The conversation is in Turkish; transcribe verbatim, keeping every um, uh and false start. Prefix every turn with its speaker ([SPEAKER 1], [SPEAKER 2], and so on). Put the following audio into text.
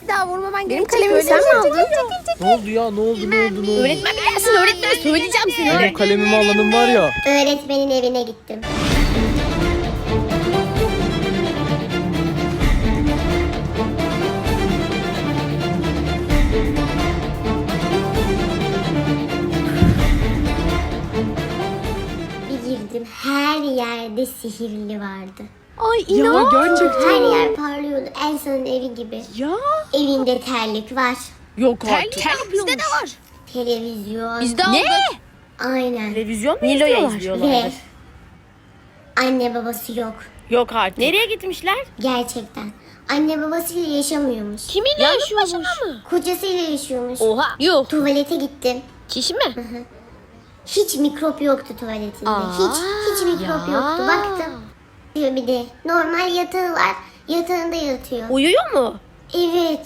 [SPEAKER 1] Bir daha vurmaman
[SPEAKER 2] Benim
[SPEAKER 1] gerekecek.
[SPEAKER 2] kalemimi sen mi aldın?
[SPEAKER 3] Ne oldu ya? Ne oldu? Ne oldu? Ne oldu?
[SPEAKER 2] Öğretmen bir gelsin, öğretmene söyleyeceğim seni.
[SPEAKER 3] Benim kalemimi alanım var ya.
[SPEAKER 4] Öğretmenin evine gittim. Bir girdim, her yerde sihirli vardı.
[SPEAKER 1] Ay
[SPEAKER 2] Ya
[SPEAKER 1] inan.
[SPEAKER 2] gerçekten.
[SPEAKER 4] Her yer parlıyordu, Elsa'nın evi gibi.
[SPEAKER 2] Ya.
[SPEAKER 4] Evinde terlik var,
[SPEAKER 2] Yok artık.
[SPEAKER 1] Terlik bizde de var.
[SPEAKER 4] televizyon.
[SPEAKER 1] Bizde aldık.
[SPEAKER 4] Aynen.
[SPEAKER 2] Televizyon mu
[SPEAKER 5] Nilo'ya
[SPEAKER 2] izliyorlar?
[SPEAKER 5] izliyorlardır.
[SPEAKER 4] Ve anne babası yok.
[SPEAKER 5] Yok artık.
[SPEAKER 2] Nereye gitmişler?
[SPEAKER 4] Gerçekten. Anne babasıyla yaşamıyormuş.
[SPEAKER 1] Kiminle yaşıyormuş?
[SPEAKER 4] Kocasıyla yaşıyormuş.
[SPEAKER 1] Oha. Yok.
[SPEAKER 4] Tuvalete gittim.
[SPEAKER 1] Çişi mi?
[SPEAKER 4] Hiç mikrop yoktu tuvaletinde.
[SPEAKER 1] Aa,
[SPEAKER 4] hiç hiç mikrop
[SPEAKER 1] ya.
[SPEAKER 4] yoktu. Baktım. Diyor bir de normal yatağı var. Yatağında yatıyor.
[SPEAKER 5] Uyuyor mu?
[SPEAKER 4] Evet.